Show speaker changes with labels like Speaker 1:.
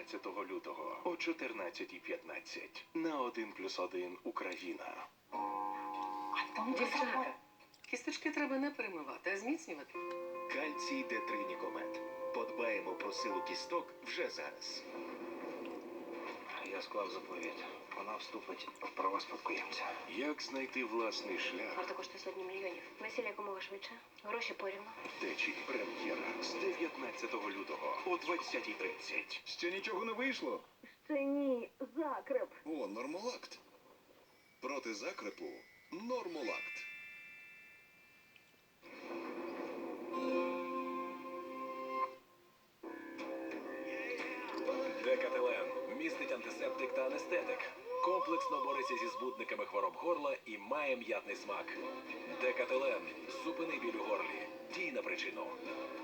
Speaker 1: 14 лютого о 14:15 на 1+1 Україна.
Speaker 2: Дівчата, кісточки треба не перемивати, а зміцнювати.
Speaker 3: Кальцій Д3 Нікомет. Подбаємо про силу кісток вже зараз.
Speaker 4: Я склав заповідь. Вона вступить в права спадкоємця.
Speaker 1: Як знайти власний шлях?
Speaker 5: Варто коштує сотні мільйонів. Весілля якомога швидше. Гроші порівну.
Speaker 1: Течі прем'єра з 19 лютого о 20:30.
Speaker 6: Ще нічого не вийшло?
Speaker 5: Ще ні, закреп.
Speaker 6: О, Нормолакт. Проти закрепу Нормолакт.
Speaker 7: Декателен містить антисептик та анестетик. Комплексно бореться зі збудниками хвороб горла і має м'ятний смак. Декателен. Зупини біль у горлі. Дій на причину.